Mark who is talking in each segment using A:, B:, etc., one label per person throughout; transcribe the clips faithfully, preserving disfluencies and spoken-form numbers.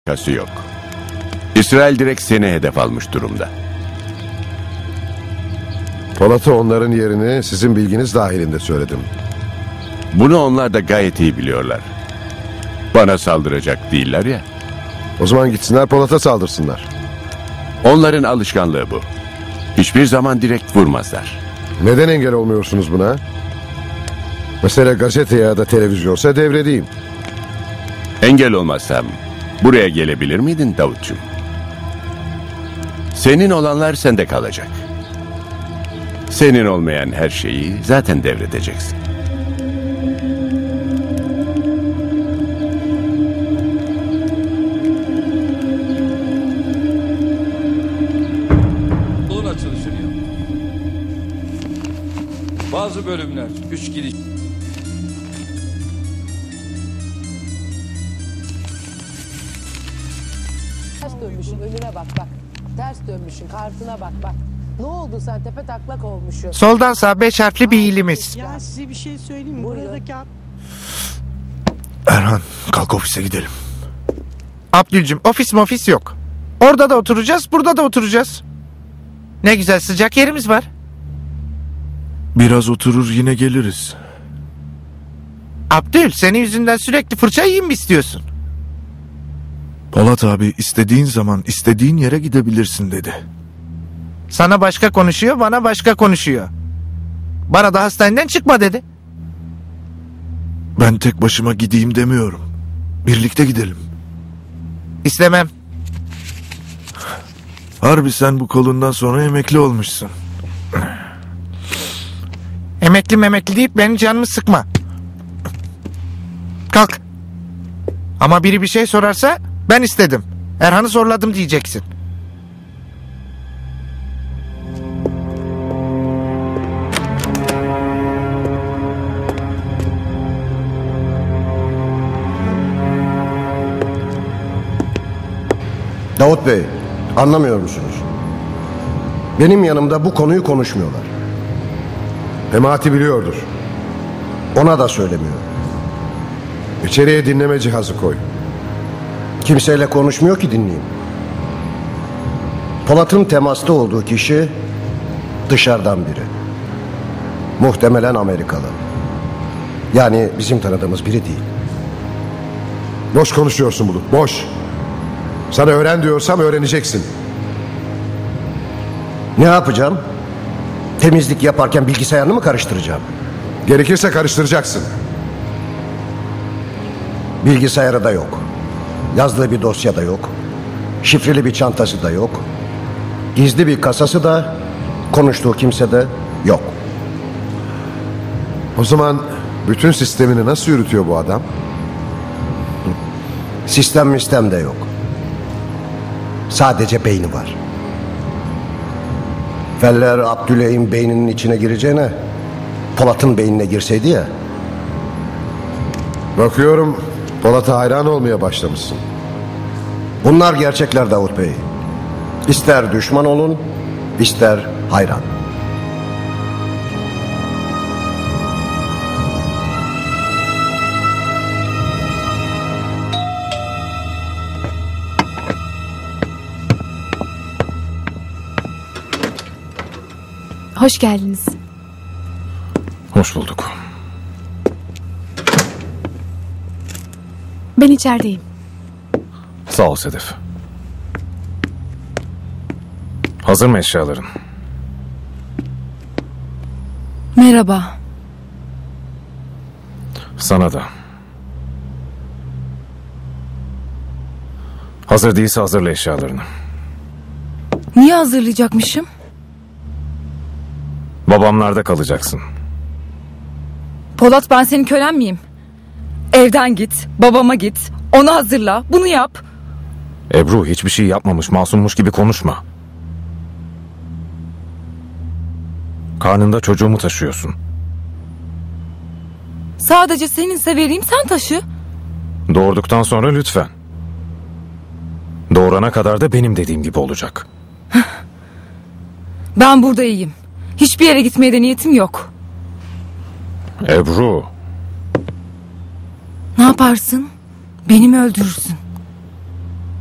A: alakası yok. İsrail direkt seni hedef almış durumda.
B: Polat'a onların yerini sizin bilginiz dahilinde söyledim.
A: Bunu onlar da gayet iyi biliyorlar. Bana saldıracak değiller ya.
B: O zaman gitsinler Polat'a saldırsınlar.
A: Onların alışkanlığı bu. Hiçbir zaman direkt vurmazlar.
B: Neden engel olmuyorsunuz buna? Mesela gazete ya da televizyonsa devredeyim.
A: Engel olmazsam buraya gelebilir miydin Davutcuğum? Senin olanlar sende kalacak. Senin olmayan her şeyi zaten devredeceksin.
C: Okulun açılışını yap. Bazı bölümler üç gidiş.
D: Ters dönmüşsün, önüne bak bak. Ters dönmüşsün, kartına bak bak. Ne oldu sen, tepe taklak olmuşsun.
E: Soldan sağ beş harfli bir ilimiz.
F: Ya size bir şey söyleyeyim mi?
D: Buyurun.
F: Buradaki...
G: Erhan, kalk ofise gidelim.
E: Abdülcüm, ofis mofis yok. Orada da oturacağız, burada da oturacağız. Ne güzel sıcak yerimiz var.
G: Biraz oturur yine geliriz.
E: Abdül, senin yüzünden sürekli fırça yiyeyim mi istiyorsun?
G: Polat abi istediğin zaman istediğin yere gidebilirsin dedi.
E: Sana başka konuşuyor, bana başka konuşuyor. Bana da hastaneden çıkma dedi.
G: Ben tek başıma gideyim demiyorum. Birlikte gidelim.
E: İstemem.
G: Harbi sen bu kolundan sonra emekli olmuşsun.
E: Emekli memekli deyip benim canımı sıkma. Kalk. Ama biri bir şey sorarsa ben istedim. Erhan'ı zorladım diyeceksin.
H: Davut Bey, anlamıyor musunuz? Benim yanımda bu konuyu konuşmuyorlar.
B: Memati biliyordur.
H: Ona da söylemiyor.
B: İçeriye dinleme cihazı koy.
H: Kimseyle konuşmuyor ki dinleyeyim. Polat'ın temasta olduğu kişi dışarıdan biri. Muhtemelen Amerikalı. Yani bizim tanıdığımız biri değil.
B: Boş konuşuyorsun Bulut, boş. Sana öğren diyorsam öğreneceksin.
H: Ne yapacağım? Temizlik yaparken bilgisayarını mı karıştıracağım?
B: Gerekirse karıştıracaksın.
H: Bilgisayarı da yok. Yazdığı bir dosya da yok. Şifreli bir çantası da yok. Gizli bir kasası da, konuştuğu kimse de yok.
B: O zaman bütün sistemini nasıl yürütüyor bu adam?
H: Sistem mistem de yok. Sadece beyni var. Feller Abdüley'in beyninin içine gireceğine Polat'ın beynine girseydi ya.
B: Bakıyorum Polat'a hayran olmaya başlamışsın.
H: Bunlar gerçekler Davut Bey. İster düşman olun, ister hayran.
I: Hoş geldiniz.
G: Hoş bulduk.
I: Ben içerideyim.
G: Sağ ol Sedef. Hazır mı eşyaların?
I: Merhaba.
G: Sana da. Hazır değilse hazırla eşyalarını.
I: Niye hazırlayacakmışım?
G: Babamlarda kalacaksın.
I: Polat, ben senin kölen miyim? Evden git, babama git, onu hazırla, bunu yap.
G: Ebru hiçbir şey yapmamış, masummuş gibi konuşma. Karnında çocuğumu taşıyorsun.
I: Sadece seninse vereyim, sen taşı.
G: Doğurduktan sonra lütfen. Doğurana kadar da benim dediğim gibi olacak.
I: Ben burada iyiyim. Hiçbir yere gitmeye de niyetim yok.
G: Ebru.
I: Ne yaparsın? Beni mi öldürürsün?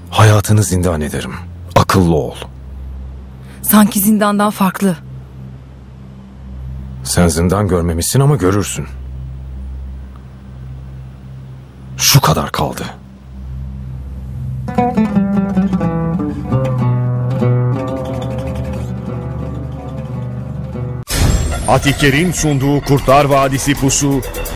F: Hayatını zindan ederim. Akıllı ol.
I: Sanki zindandan farklı.
F: Sen zindan görmemişsin ama görürsün. Şu kadar kaldı.
J: Atiker'in sunduğu Kurtlar Vadisi Pusu